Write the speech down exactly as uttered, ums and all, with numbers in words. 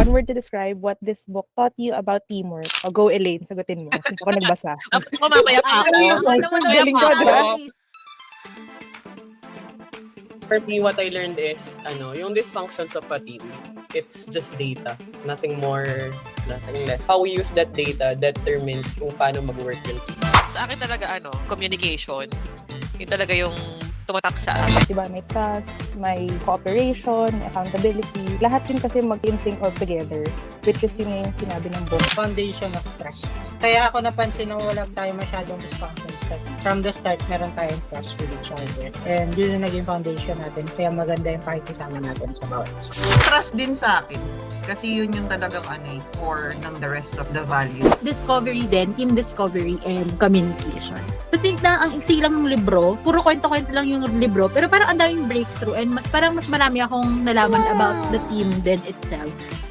one word to describe what this book taught you about teamwork. O go, Elaine, sagutin mo. Hindi ako nagbasa. Ako mamaya pa ako. Ang galing ko, diba? For me, what I learned is, ano, yung dysfunctions of a team, it's just data. Nothing more, nothing less. How we use that data determines kung paano mag-work yung team. Sa akin talaga, ano, communication. Yun talaga yung tumatak sa akin. Diba, may trust, may cooperation, may accountability. Lahat yun kasi mag-in-sync all together, which is yun yung sinabi ng book. Foundation of trust. Kaya ako napansin na wala tayo masyadong dysfunctions. From the start, meron tayong trust with each other. And yun yung naging foundation natin. Kaya maganda yung pakikisama natin sa bawat isa. Trust din sa akin. Kasi yun yung talagang ano, eh, core ng the rest of the values. Discovery din, team discovery and communication. I think na ang iksi lang ng libro, puro kwento-kwento lang yung libro, pero parang ang daming breakthrough and mas parang mas marami akong nalaman about the team din itself.